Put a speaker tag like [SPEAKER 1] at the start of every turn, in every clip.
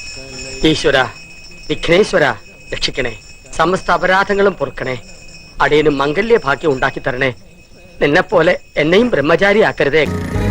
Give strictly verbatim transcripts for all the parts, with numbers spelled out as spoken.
[SPEAKER 1] ഈശ്വര, വിഘ്നേശ്വര രക്ഷിക്കണേ, സമസ്ത അപരാധങ്ങളും പൊറുക്കണേ, അടിയനും മംഗല്യ ഭാഗ്യം ഉണ്ടാക്കി തരണേ, നിന്നെ പോലെ എന്നെയും ബ്രഹ്മചാരിയാക്കരുതേ.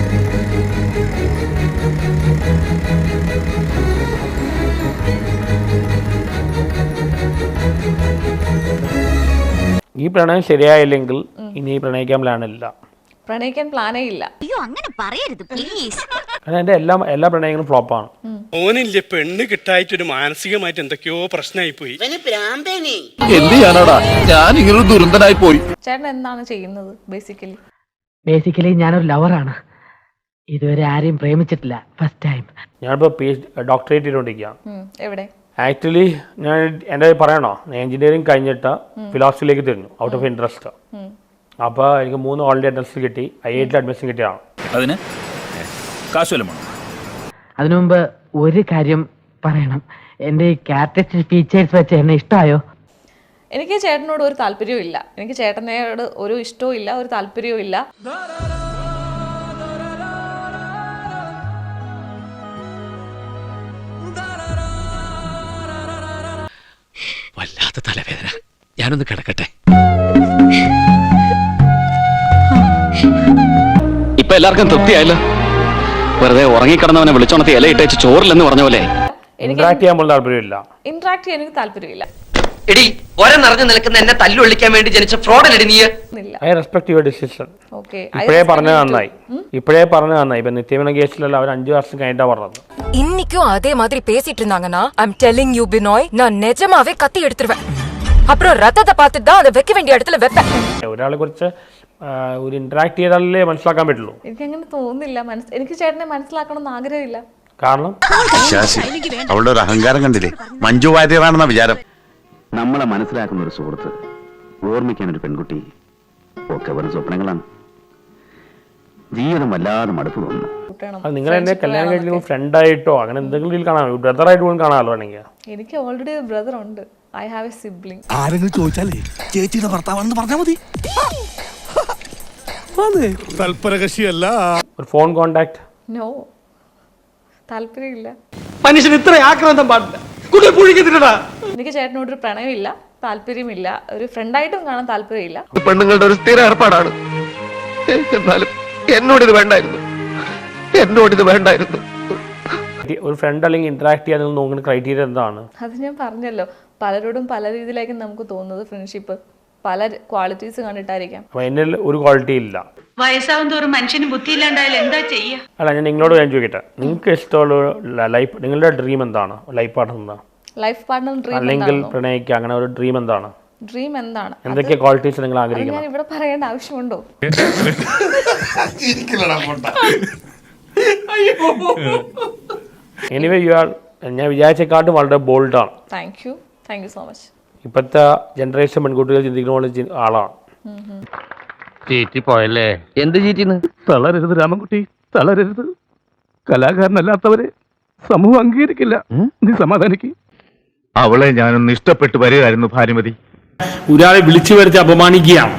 [SPEAKER 2] ഈ പ്രണയം ശരിയായില്ലെങ്കിൽ ഇനി പ്രണയിക്കാൻ പ്ലാനില്ല.
[SPEAKER 3] പ്രണയിക്കാൻ പ്ലാനേ ഇല്ല.
[SPEAKER 4] അയ്യോ അങ്ങനെ പറയരുത് പ്ലീസ്.
[SPEAKER 2] കാരണം എൻ്റെ എല്ലാ എല്ലാ പ്രണയങ്ങളും ഫ്ലോപ്പാണ്.
[SPEAKER 5] ഓനില്ലേ പെണ്ണ് കിട്ടായിട്ടൊരു മാനസികമായിട്ട് എന്തൊക്കെയോ പ്രശ്നമായി പോയി.
[SPEAKER 6] എന്ത് ചെയ്യാനാടാ, ഞാൻ ഇങ്ങനെ ദുരന്തനായി പോയി.
[SPEAKER 3] ചേട്ടൻ എന്താണ് ചെയ്യുന്നത് ബേസിക്കലി?
[SPEAKER 1] ബേസിക്കലി ഞാനൊരു ലവറാണ്. ഇതുവരെ ആരെയും പ്രേമിച്ചിട്ടില്ല, ഫസ്റ്റ് ടൈം.
[SPEAKER 2] ഞാനിപ്പോൾ പി എച്ച് ഡോക്ടറേറ്റ് ചെയ്തുകൊണ്ടിരിക്കുകയാണ്.
[SPEAKER 3] എവിടെ?
[SPEAKER 2] ആക്ച്വലി ഞാൻ എൻ്റെ പറയണോ, എഞ്ചിനീയറിംഗ് കഴിഞ്ഞിട്ട് ഫിലോസഫിയിലേക്ക് തിരിഞ്ഞു ഔട്ട് ഓഫ് ഇൻട്രസ്റ്റ്. അപ്പോൾ എനിക്ക് മൂന്ന് ഓൾറെഡി അഡ്മിഷൻ കിട്ടി, ഐ ഐ ടിയിൽ അഡ്മിഷൻ കിട്ടിയതാണ്.
[SPEAKER 6] അതിന് കാശുവല്ലമോ?
[SPEAKER 1] അതിനു മുമ്പ് ഒരു കാര്യം പറയണം. എൻ്റെ ഈ ക്യാരക്ടറിസ്റ്റിക് ഫീച്ചേഴ്സ് വെച്ച് എന്നെ ഇഷ്ടമായോ?
[SPEAKER 3] എനിക്ക് ചേട്ടനോട് ഒരു താല്പര്യവും ഇല്ല. എനിക്ക് ചേട്ടനോട് ഒരു ഇഷ്ടവും ഇല്ല, ഒരു താല്പര്യവും ഇല്ല.
[SPEAKER 7] വല്ലാത്ത തലവേദന, ഞാനൊന്ന് കിടക്കട്ടെ. ഇപ്പൊ എല്ലാവർക്കും തൃപ്തിയായല്ലോ. വെറുതെ ഉറങ്ങിക്കിടന്നവനെ വിളിച്ചോണത്തി ഇലയിട്ടേച്ച് ചോറില്ലെന്ന് പറഞ്ഞ പോലെ.
[SPEAKER 2] ഇന്ററാക്ട് ചെയ്യാൻ പോലും താല്പര്യമില്ല.
[SPEAKER 3] ഇന്ററാക്ട് ചെയ്യാൻ എനിക്ക് താല്പര്യമില്ല.
[SPEAKER 1] എടി, ഒര നിറഞ്ഞു നിൽക്കുന്ന എന്നെ തല്ലുകൊള്ളിക്കാൻ വേണ്ടി ജനിച്ച ഫ്രോഡല്ലേ നീ?
[SPEAKER 2] I respect your decision.
[SPEAKER 3] Okay,
[SPEAKER 2] ഇപ്പോഴേ പറഞ്ഞത് നന്നായി. ഇപ്പോഴേ പറഞ്ഞത് നന്നായി. ഇപ്പൊ നിത്യമന കേസിലല്ല, അവർ അഞ്ചു വർഷം കഴിഞ്ഞിട്ടാ പറഞ്ഞത്.
[SPEAKER 8] இன்னைக்கும் அதே மாதிரி பேசிட்டு இருந்தாங்கன்னா ஐம் டெல்லிங் யூ பினாய், நான் நிஜமாவே கத்தி எடுத்துருவேன். அப்புறம் ரத்தத்தை பார்த்துட்டு தான் அதை வைக்க வேண்டிய இடத்துல வைப்பேன்.
[SPEAKER 2] ഒരാളെ കുറിച്ച് ഒരു ഇന്ററാക്ട് ചെയ്താലേ മനസ്സിലാക്കാൻ പറ്റുള്ളൂ.
[SPEAKER 3] എനിക്ക് അങ്ങനെ തോന്നുന്നില്ല. എനിക്ക് ചേട്ടനെ മനസ്സിലാക്കണമെന്ന് ആഗ്രഹമില്ല.
[SPEAKER 2] കാരണം
[SPEAKER 6] അവളുടെ ഒരു അഹങ്കാരം കണ്ടില്ലേ, മഞ്ജു വാര്യറാണെന്ന വിചാരം.
[SPEAKER 9] നമ്മളെ മനസ്സിലാക്കുന്ന ഒരു സുഹൃത്ത്, ഓർമ്മിക്കാൻ ഒരു പെൺകുട്ടി, ഒക്കെ വെറും സ്വപ്നങ്ങളാണ്. ജീവിതം വല്ലാതെ മടുപ്പ് തോന്നുന്നു.
[SPEAKER 2] നിങ്ങൾ എന്നെ കല്യാണം കഴിക്കുമ്പോൾ ഫ്രണ്ടായിട്ടോ അങ്ങനെ എന്തെങ്കിലും രീതിയിൽ കാണാമോ? ബ്രദറായിട്ട് പോലും കാണാമല്ലോ വേണമെങ്കിൽ.
[SPEAKER 3] എനിക്ക് ഓൾറെഡി ഒരു ബ്രദർ ഉണ്ട്. I have a sibling.
[SPEAKER 6] ആരെങ്കിലും ചോദിച്ചാലേ ചേച്ചിയുടെ ഭർത്താവാണെന്ന് പറഞ്ഞാൽ മതി. തൽപരകക്ഷിയല്ല.
[SPEAKER 2] ഒരു ഫോൺ കോണ്ടാക്ട്?
[SPEAKER 3] നോ, താല്പര്യമില്ല.
[SPEAKER 1] മനുഷ്യൻ ഇത്ര ആക്രാന്തം പാടില്ല.
[SPEAKER 3] എനിക്ക് ചേട്ടനോട് ഒരു പ്രണയമില്ല, താല്പര്യമില്ല. ഒരു ഫ്രണ്ടായിട്ടും കാണാൻ താല്പര്യമില്ല.
[SPEAKER 10] പെണ്ണുങ്ങളുടെ ഒരു സ്ഥിര ഏർപ്പാടാണ്. എന്നാലും എന്നോട് ഇത് വേണ്ടായിരുന്നു, എന്നോട് ഇത് വേണ്ടായിരുന്നു.
[SPEAKER 2] ഒരു ഫ്രണ്ട് അല്ലെങ്കിൽ ഇന്ററാക്ട് ചെയ്യാൻ നോക്കുന്ന ക്രൈറ്റീരിയ എന്താണ്?
[SPEAKER 3] അത് ഞാൻ പറഞ്ഞല്ലോ, പലരോടും പല രീതിയിലായിരിക്കും നമുക്ക് തോന്നുന്നത്. ഫ്രണ്ട്ഷിപ്പ് പല ക്വാളിറ്റീസ് കണ്ടിട്ടായിരിക്കാം.
[SPEAKER 2] അപ്പൊ എന്നിൽ ഒരു ക്വാളിറ്റി ഇല്ല.
[SPEAKER 4] വയസ്സാവും തോറും മനുഷ്യന് ബുദ്ധിയില്ലാണ്ടായാലും എന്താ ചെയ്യാ?
[SPEAKER 2] അല്ല, ഞാൻ നിങ്ങളോട് ഞാൻ ചോദിക്കട്ടെ, നിങ്ങൾക്ക് ഇഷ്ടമുള്ള ലൈഫ്, നിങ്ങളുടെ ഡ്രീം എന്താണ്? ലൈഫ് പാർട്ണർ എന്താ?
[SPEAKER 3] ലൈഫ് പാർട്ണർ ഡ്രീം
[SPEAKER 2] അല്ലെങ്കിൽ പ്രണയിക്കുക, അങ്ങനെ ഒരു ഡ്രീം എന്താണ്?
[SPEAKER 3] ഡ്രീം എന്താണ്?
[SPEAKER 2] എന്തൊക്കെ ക്വാളിറ്റീസ് നിങ്ങൾ ആഗ്രഹിക്കുന്നത്?
[SPEAKER 3] ഞാൻ ഇവിടെ പറയേണ്ട ആവശ്യമുണ്ടോ?
[SPEAKER 2] എനിവേ യു ആർ, ഞാൻ വിചാരിച്ചേക്കാട്ടും വളരെ ബോൾഡാണ്.
[SPEAKER 3] Thank you, thank you so much.
[SPEAKER 2] ഇപ്പോഴത്തെ ജനറേഷൻ പെൺകുട്ടികൾ ചിന്തിക്കുന്ന പോലെ ആളാണ്.
[SPEAKER 10] ചീറ്റി പോയല്ലേ?
[SPEAKER 7] എന്ത് ചീറ്റിന്ന്?
[SPEAKER 10] തളരരുത് രാമൻകുട്ടി, തളരരുത്. കലാകാരനല്ലാത്തവരെ സമൂഹം അംഗീകരിക്കില്ല. നീ സമാധാനിക്ക്. അവളെ ഞാനൊന്ന് ഇഷ്ടപ്പെട്ടു വരികയായിരുന്നു ഭാനുമതി.
[SPEAKER 2] ഒരാളെ വിളിച്ചു വരുത്തി അപമാനിക്കുകയാണ്.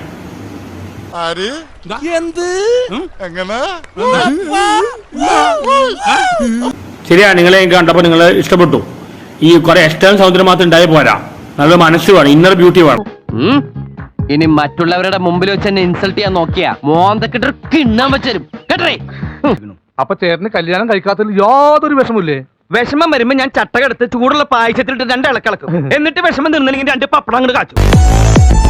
[SPEAKER 2] ശരിയാ, നിങ്ങളെ കണ്ടപ്പോൾ നിങ്ങളെ ഇഷ്ടപ്പെട്ടു. ഈ കുറെ എക്സ്റ്റേണൽ സൗന്ദര്യം മാത്രം ഉണ്ടായി പോരാ, നല്ല മനസ്സ് വേണം, ഇന്നർ ബ്യൂട്ടി വേണം.
[SPEAKER 7] ഇനി മറ്റുള്ളവരുടെ മുമ്പിൽ വെച്ച് എന്നെ ഇൻസൾട്ട് ചെയ്യാൻ നോക്കിയാ മോന്തക്കിട്ട് കിണ്ണാൻ വെച്ചരും കേട്ടേ.
[SPEAKER 10] അപ്പൊ ചേട്ടന് കല്യാണം കഴിക്കാത്തതിൽ യാതൊരു വിഷമില്ലേ?
[SPEAKER 7] വിഷമം വരുമ്പോ ഞാൻ ചട്ടകെടുത്ത് ചൂടുള്ള പായസത്തിലിട്ട് രണ്ട് ഇളക്കിളക്കും. എന്നിട്ട് വിഷമം നിന്നില്ലെങ്കിൽ രണ്ട് പപ്പടം അങ്ങോട്ട് കാച്ചു.